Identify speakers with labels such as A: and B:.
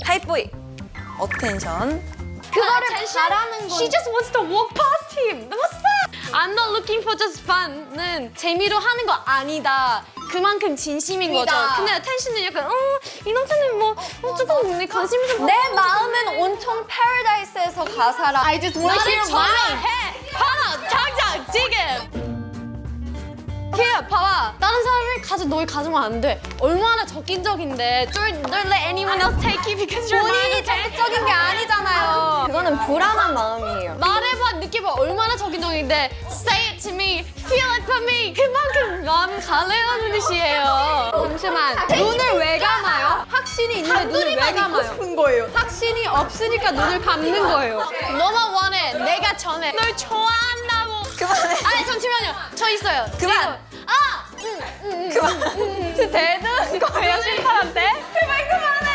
A: 타입 V. 어텐션.
B: 그거를 바라는 건.
C: She just wants to walk past him. 너무 sad. I'm not looking for just fun는 재미로 하는 거 아니다. 그만큼 진심인 거죠. 근데 attention은 약간 이 남자는 뭐 조금 근데 관심이 좀
A: 내 마음은 온통 패러다이스에서 가사라.
B: I just want to hear mine.
C: 해. 봐라 당장 지금. 걔 봐봐. 다른 사람이 널 가지면 안 돼. 얼마나 적인적인데. Don't let anyone else take you because you're
A: 본인이 적극적인 게 아니잖아요. 그거는 불안한 마음이에요.
C: 말해봐, 느껴봐. 얼마나 적인적인데 say it to me, feel it for me. 그만큼 마음 가려는 뜻이에요.
B: 잠시만. 눈을 왜 감아요? 확신이 있는데 눈을 왜 감아요?
A: 싶은 거예요.
B: 확신이 없으니까 눈을 감는 거예요.
C: 너만 원해. 내가 전해. 널 좋아한다고.
A: 그만해.
C: 아니 잠시만요. 저 있어요.
A: 그만.
C: 지금.
A: 그만.
B: 대드는 거예요, 심판한테?
A: 제발 그만해.